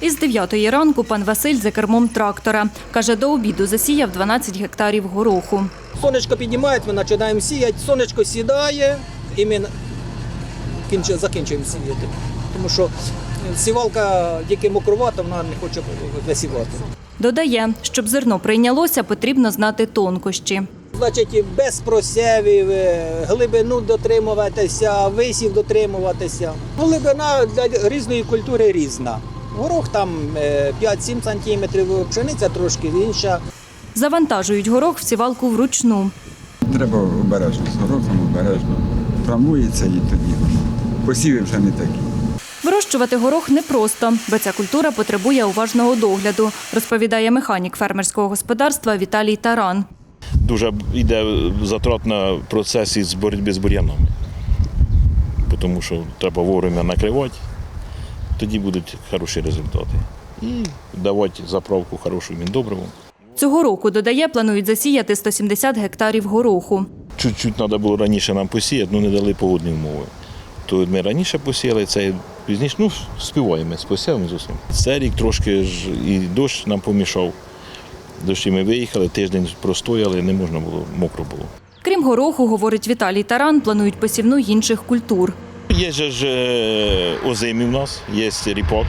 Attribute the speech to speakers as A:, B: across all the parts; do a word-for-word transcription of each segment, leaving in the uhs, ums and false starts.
A: Із дев'ятої ранку пан Василь за кермом трактора. Каже, до обіду засіяв дванадцять гектарів гороху.
B: Сонечко піднімається, ми починаємо сіяти, сонечко сідає і ми закінчуємо сіяти. Тому що сівалка тільки мокрувата, вона не хоче висівати.
A: Додає, щоб зерно прийнялося, потрібно знати тонкощі.
B: Значить, без просєвів, глибину дотримуватися, висів дотримуватися. Глибина для різної культури різна. Горох там п'ять-сім сантиметрів, пшениця трошки інша.
A: Завантажують горох в сівалку вручну.
C: Треба обережно, з горохом обережно. Травмується і тоді посіви вже не такі.
A: Вирощувати горох непросто, бо ця культура потребує уважного догляду, розповідає механік фермерського господарства Віталій Таран.
D: Дуже йде затрат на процесі з боротьби з бур'янами, тому що треба вовремя накривати, тоді будуть хороші результати. І давати заправку хорошу міндобриву.
A: Цього року, додає, планують засіяти сто сімдесят гектарів гороху.
D: Чуть-чуть треба було раніше нам посіяти, але не дали погодні умови. То ми раніше посіяли, це пізніше, ну, співаємо з посівами з усім. Цей рік трошки ж і дощ нам помішав. Дощі ми виїхали, тиждень простояли, не можна було, мокро було.
A: Крім гороху, говорить Віталій Таран, планують посівну інших культур.
D: Є ж озимі в нас, є ріпак,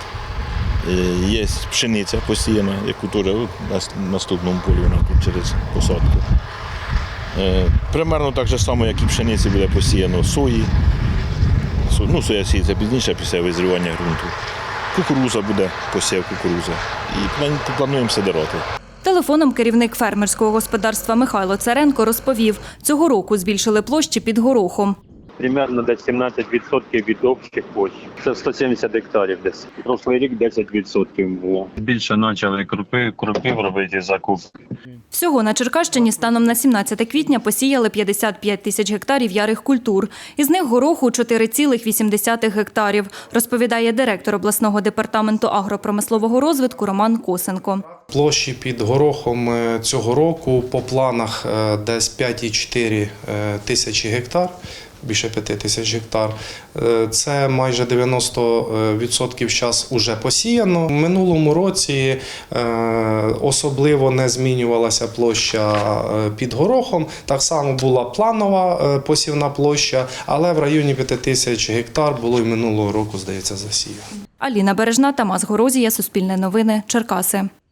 D: є пшениця посіяна, яку теж на наступному полі вона тут через посадку. Примерно так же само, як і пшениці, буде посіяно сої. Ну, соя сіється пізніше, після визрівання ґрунту. Кукуруза буде, посів кукуруза. І плануємо сидирати.
A: Телефоном керівник фермерського господарства Михайло Царенко розповів, цього року збільшили площі під горохом.
E: Примерно десь сімнадцять відсотків від общих площ. Це сто сімдесят гектарів десь. Прошлий рік десять відсотків було. Більше почали крупи, крупів робити закупки.
A: Всього на Черкащині станом на сімнадцяте квітня посіяли п'ятдесят п'ять тисяч гектарів ярих культур. Із них гороху – чотири цілих вісім десятих гектарів, розповідає директор обласного департаменту агропромислового розвитку Роман Косенко.
F: Площі під горохом цього року по планах десь п'ять цілих чотири тисячі гектар. Більше п'яти тисяч гектар. Це майже дев'яносто відсотків зараз вже посіяно. В минулому році особливо не змінювалася площа під горохом. Так само була планова посівна площа, але в районі п'яти тисяч гектар було і минулого року, здається, засіяно.
A: Аліна Бережна, Тамас Горозія, Суспільне новини, Черкаси.